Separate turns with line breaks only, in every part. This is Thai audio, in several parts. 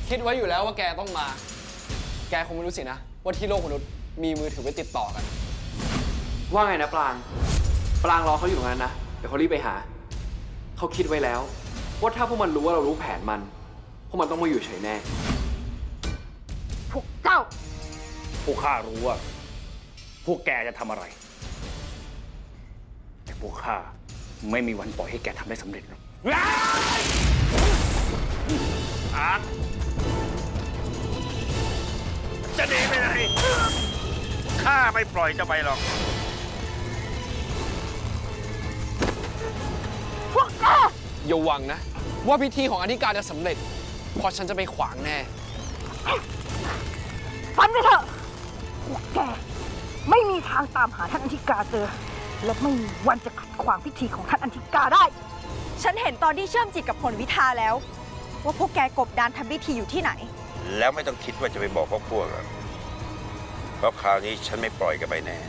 คิดไว้อยู่แล้วว่าแกต้องมา แกคงไม่รู้สินะว่าที่โลกมนุษย์มีมือถือไว้ติดต่อกัน
ว่าไงนะปรางรอเขาอยู่ตรงนั้นนะเดี๋ยวเขารีบไปหาเขาคิดไว้แล้วว่าถ้าพวกมันรู้ว่าเรารู้แผนมันพวกมันต้องมาอยู่เฉยแน่
พวกเจ้า
พวกข้ารู้ว่าพวกแกจะทำอะไร แต่พวกข้าไม่มีวันปล่อยให้แกทำได้สำเร็จหรอกอาร์ตจะหนีไปไหนข้าไม่ปล่อยเจะไปหรอก
พวกเจ้า
อย่าหวังนะว่าพิธีของอธิการจะสำเร็จเพราะฉันจะไปขวางแน่
ฟันไปเถอะพวกแกไม่มีทางตามหาท่านอธิกาเจอ และไม่มีวันจะขัดขวางพิธีของท่านอธิกาได้
ฉันเห็นตอนที่เชื่อมจิตกับผลวิทาแล้ว ว่าพวกแกกบดานทำพิธีอยู่ที่ไหน
แล้วไม่ต้องคิดว่าจะไปบอกพวกหรอกเพราะคราวนี้ฉันไม่ปล่อยกันไปแน่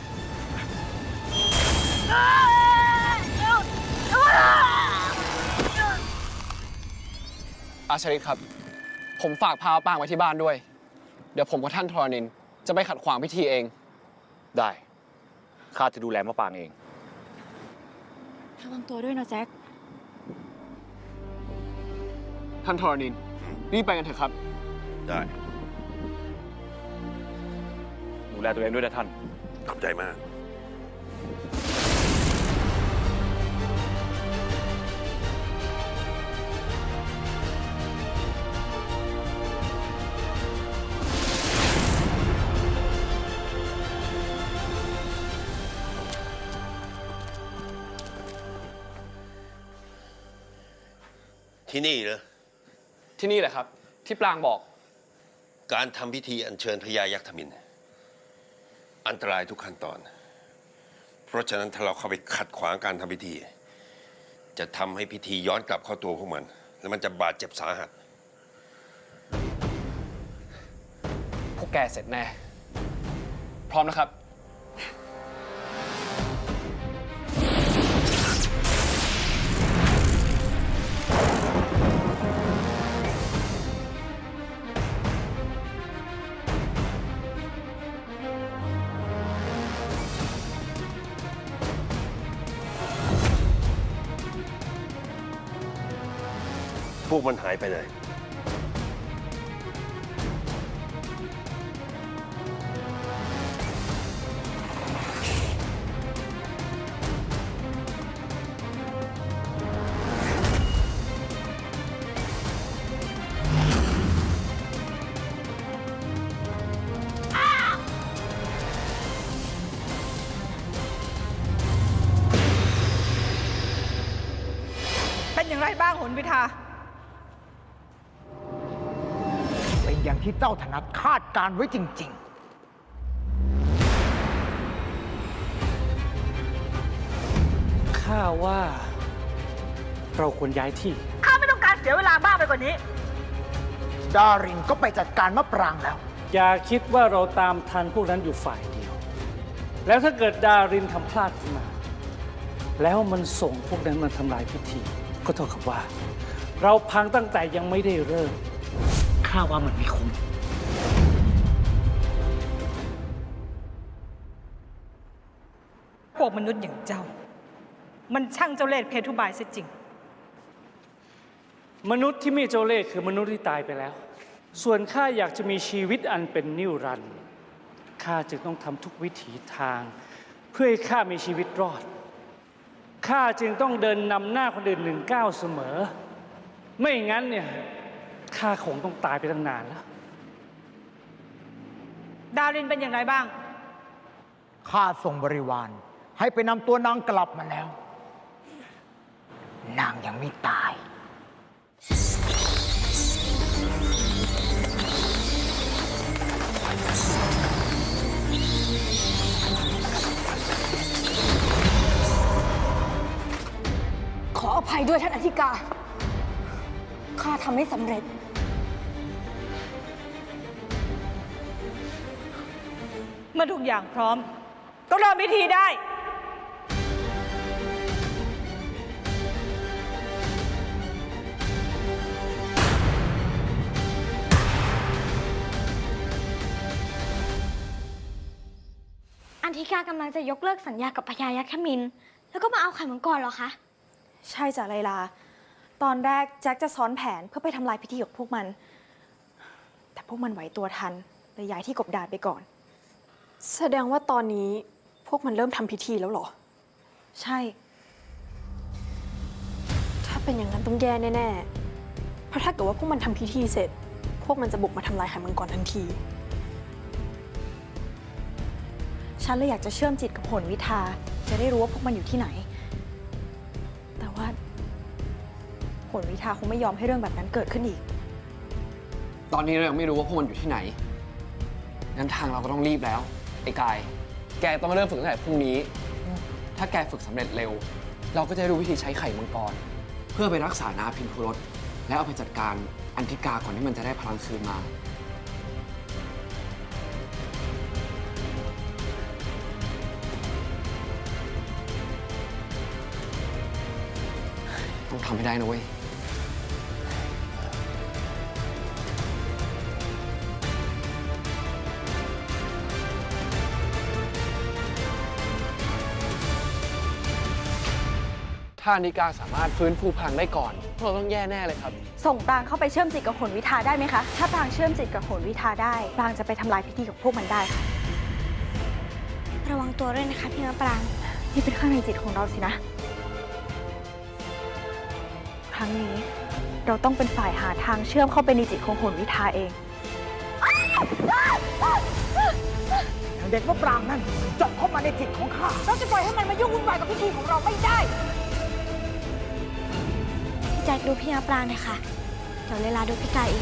อาชริตครับ ผมฝากพาปางไว้ที่บ้านด้วย เดี๋ยวผมกับท่านทรณินจะไปขัดขวางพิธีเอง
ได้ข้าจะดูแลมะปางเอง
ระวังตัวด้วยนะแจ็ค
ท่านทรณินรีบไปกันเถอะครับ
ได้
ดูแลตัวเองด้วยนะท่าน
ขอบใจมาก ที่นี่เหรอ
ที่นี่แหละครับ ที่ปรางบอก
การทำพิธีอัญเชิญพญายักษ์ธมิฬอันตรายทุกขั้นตอน เพราะฉะนั้นถ้าเราเข้าไปขัดขวางการทำพิธี จะทำให้พิธีย้อนกลับเข้าตัวพวกมัน แล้วมันจะบาดเจ็บสาหัส
พวกแกเสร็จแน่ พร้อมนะครับ
พวกมันหายไปเลย
เป็นอย่างไรบ้างหนวิทา เป็นอย่างที่เจ้าถนัดคาดการไว้จริง
ข้าว่าเราควรย้ายที่
ๆ ข้าไม่ต้องการเสียเวลามากไปกว่านี้ ดารินก็ไปจัดการมะปรางแล้ว
อย่าคิดว่าเราตามทันพวกนั้นอยู่ฝ่ายเดียว แล้วถ้าเกิดดารินทำพลาดขึ้นมา แล้วมันส่งพวกนั้นมาทำลายพิธี ก็เท่ากับว่า เราพังตั้งแต่ยังไม่ได้เริ่ม ข้าว่ามันไม่คุ้ม
พวกมนุษย์อย่างเจ้า มันช่างเจ้าเล่ห์เพทุบายเสียจริง
มนุษย์ที่มีเจ้าเล่ห์คือมนุษย์ที่ตายไปแล้ว ส่วนข้าอยากจะมีชีวิตอันเป็นนิรันดร์ข้าจึงต้องทำทุกวิถีทาง เพื่อให้ข้ามีชีวิตรอด ข้าจึงต้องเดินนำหน้าคนอื่น1 ก้าวเสมอ ไม่งั้นเนี่ยข้าคงต้องตายไปตั้งนานแล้ว
ดารินเป็นอย่างไรบ้าง
ข้าส่งบริวารให้ไปนำตัวนางกลับมาแล้ว นางยังไม่ตาย
ขออภัยด้วยท่านอธิกา ข้าทำไม่สำเร็จ
เมื่อทุกอย่างพร้อม ก็เริ่มพิธีได้
ธิกากำลังจะยกเลิกสัญญากับพญายักษ์ขมินแล้วก็มาเอาไข่มังกรเหรอคะ
ใช่จ้ะไลลา ตอนแรกแจ็คจะซ้อนแผนเพื่อไปทำลายพิธีกับพวกมัน แต่พวกมันไหวตัวทันเลยย้ายที่กบดานไปก่อน
แสดงว่าตอนนี้พวกมันเริ่มทำพิธีแล้วเหรอ
ใช่
ถ้าเป็นอย่างนั้นต้องแย่แน่ๆ เพราะถ้าเกิดว่าพวกมันทำพิธีเสร็จ พวกมันจะบุกมาทำลายไข่มังกรทันที
ฉันเลยอยากจะเชื่อมจิตกับโหนวิทา จะได้รู้ว่าพวกมันอยู่ที่ไหน แต่ว่าโหนวิทาคงไม่ยอมให้เรื่องแบบนั้นเกิดขึ้นอีก
ตอนนี้เรายังไม่รู้ว่าพวกมันอยู่ที่ไหน งั้นทางเราก็ต้องรีบแล้ว ไอ้กาย แกต้องมาเริ่มฝึกตั้งแต่พรุ่งนี้ ถ้าแกฝึกสำเร็จเร็ว เราก็จะได้รู้วิธีใช้ไข่มังกร เพื่อไปรักษานาพินพุรสและเอาไปจัดการอันธิกาก่อนที่มันจะได้พลังคืนมา ต้องทำให้ได้นะเว้ย ถ้าอันธิกาสามารถฟื้นฟูพลังได้ก่อนพวกเราต้องแย่แน่เลยครับ
ส่งปรางเข้าไปเชื่อมจิตกับโหนวิทาได้ไหมคะ ถ้าปรางเชื่อมจิตกับโหนวิทาได้ ปรางจะไปทำลายพิธีกับพวกมันได้ค่ะ
ระวังตัวด้วยนะคะพี่มะปราง
นี่เป็นข้างในจิตของเราสินะ ครั้งนี้เราต้องเป็นฝ่ายหาทางเชื่อมเข้าไปในจิตของโหนวิทาเอง
เด็กมะปรางนั่นเจาะเข้ามาในจิตของข้าเราจะปล่อยให้มันมายุ่งวุ่นวายกับพิธีของเราไม่ได้
พี่แจ็คดูพี่มะปรางหน่อยค่ะ เดี๋ยวเลลาดูพี่กายเอง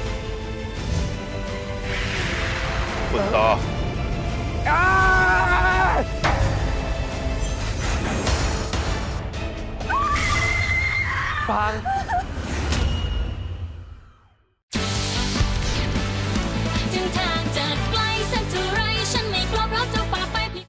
ฝึกต่อ
ปราง